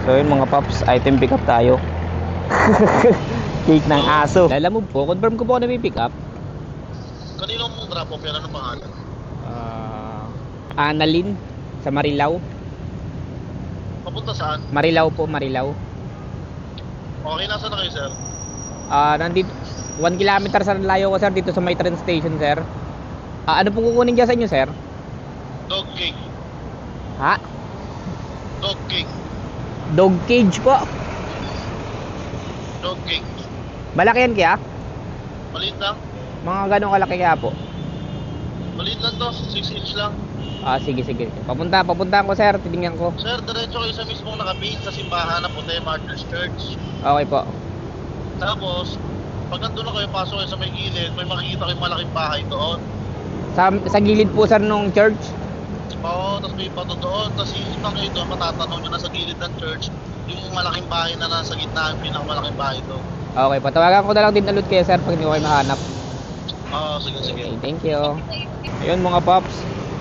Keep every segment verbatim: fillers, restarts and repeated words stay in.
So yun mga paps, item pick up tayo. Cake ng aso. Alam mo po, confirm ko po na may pick up. Kanino mong drop off yan? Ano pangalan? Uh, Annalyn sa Marilao. Papunta saan? Marilao po, Marilao. Okay, nasa na kayo, sir? Ah, uh, nandito one kilometer sa layo ko sir dito sa may train station sir. Ah, uh, ano pong kukunin dyan sa inyo sir? Dog cake. Ha? Dog cake. Dog cage po. Dog cake. Malaki yan kaya? Maliit lang? Mga ganong kalaki kaya po? Maliit lang to, six inch lang. Ah, sige sige. Papunta, papuntahan ko sir, titingnan ko. Sir, diretso kayo sa mismong nakabihis sa simbahan na puti, Martyrs Church. Okay po. Tapos, pag nandun na kayo, pasok kayo sa may gilid, may makikita kayong malaking bahay doon. Sa, sa gilid po sir nung church. Oo, tapos may pato doon. Tapos iikot kayo doon, matatanong nyo na sa gilid ng church, yung malaking bahay na nasa gitna, yung pinakamalaking bahay doon. Okay, patawagan ko na lang din ulit kayo sir pag hindi ko kayo mahanap. Oo, sige, sige. Okay, thank you. Ayun mga pops.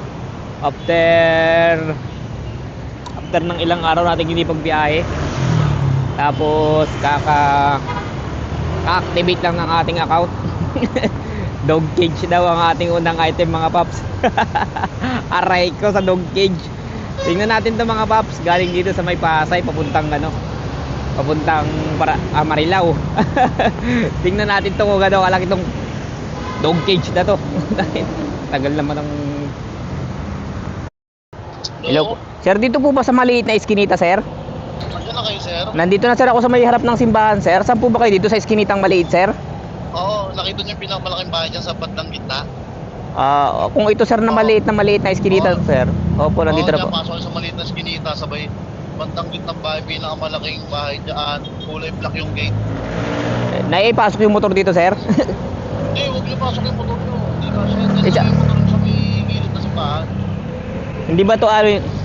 After After ng ilang araw natin hindi pagbiyahe. Tapos kaka ka-activate lang ng ating account. Dog cage daw ang ating unang item mga pops. Aray ko sa dog cage. Tingnan natin 'to mga pops. Galing dito sa may Pasay papuntang ano. Papuntang para ah, Marilao. Tingnan natin 'to kung gaano kalaki tong dog cage na 'to. Tagal naman ng Hello po. Sir, dito po ba sa maliit na iskinita, sir? Nandiyan na kayo, sir? Nandito na sir ako sa may harap ng simbahan, sir. Saan po ba kayo dito sa iskinitang maliit, sir? Oo, nakita niyo yung pinakamalaking bahay dyan sa bandang gitna? Ah, uh, kung ito sir na maliit na maliit na iskinita, Oo. sir. Opo, nandito Oo, na dyan, po. pasok kayo sa maliit na skinita, sabay bandang gitnang bahay, pinakamalaking bahay dyan, kulay black yung gate. Eh, Naipasok yung motor dito, sir. Hindi, huwag niyo pasok yung motor niyo. Hindi kasi, kasi Isa- yung motor niyo sa may gilid na simbahan. Hindi ba to ano yun?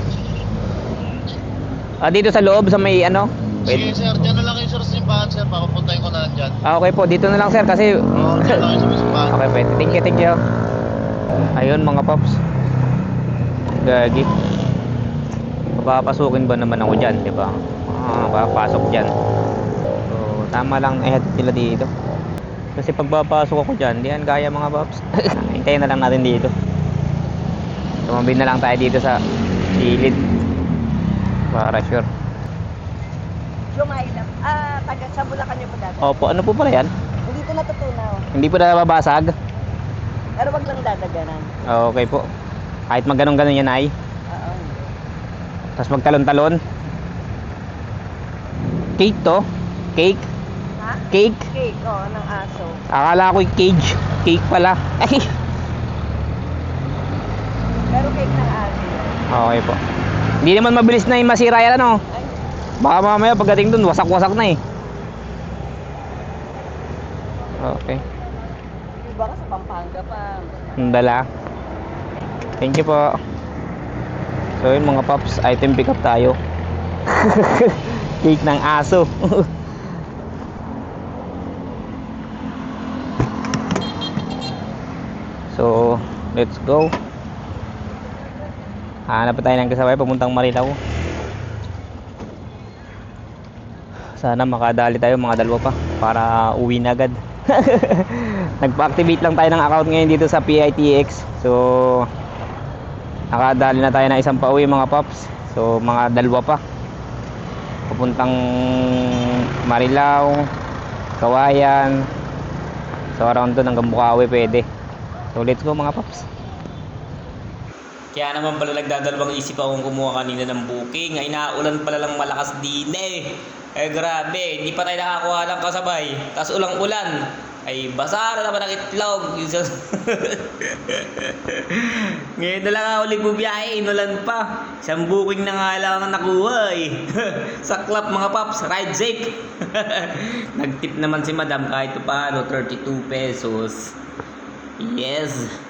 Ah, dito sa loob sa may ano? Sige, Wait. sir, dyan na lang kayo, sir, sa simbahan, sir, papapuntahin ko na lang dyan. Ah, okay po, dito na lang sir kasi Oo, dyan lang kayo sa may simbahan. okay, pwede. Thank you, thank you. Ayun mga pops. Gagi. Papapasukin ba naman ako dyan, di ba? Ah, papasok dyan. So, tama lang eh sila dito. Kasi pag papasok ako dyan, di yan kaya mga pops. Hintayin na lang natin dito. Tumabi na lang tayo dito sa gilid. Para sure. Lumaylap. Ah, taga sa Bulacan niyo po dati. Opo, ano po pala yan? Hindi ko natutunaw. Hindi po na babasag? Pero wag lang dadaganan. Okay po. Kahit magganong-ganon yan ay. Oo. Tapos magtalon-talon. Cake to? Cake? Ha? Cake? Cake, oo, ng aso. Akala ko yung cage. Cake pala. Ay! Pero cake ng aso. Okay po. Hindi naman mabilis na yung masira yan ano. Ay, Baka mamaya pagdating dun, wasak-wasak na eh. Okay. iba ka sa Pampanga pa. Ang dala. Thank you po. So yun mga pops, item pick up tayo. Cake ng aso. So, let's go. Hanap pa tayo ng kasabay papuntang Marilao. Sana makadali tayo mga dalawa pa para uwi na agad. Nagpa-activate lang tayo ng account ngayon dito sa P I T X. So nakadali na tayo ng isang pauwi mga pops. So mga dalawa pa papuntang Marilao, Kawayan. So around doon hanggang Bukawi pwede. So let's go mga pops. Kaya naman pala nagdadalawang isip akong kumuha kanina ng booking. Ay naulan pala lang malakas din eh. Eh grabe, hindi pa tayo nakakuha ng kasabay. Tapos ulang-ulan. Ay basa na naman ang itlog. Ngayon na lang ako ulit bubiyahe, inulan pa. Isang booking na nga lang ang nakuha eh. Saklap mga paps, ride safe. Nagtip naman si madam kahit paano, thirty-two pesos. Yes.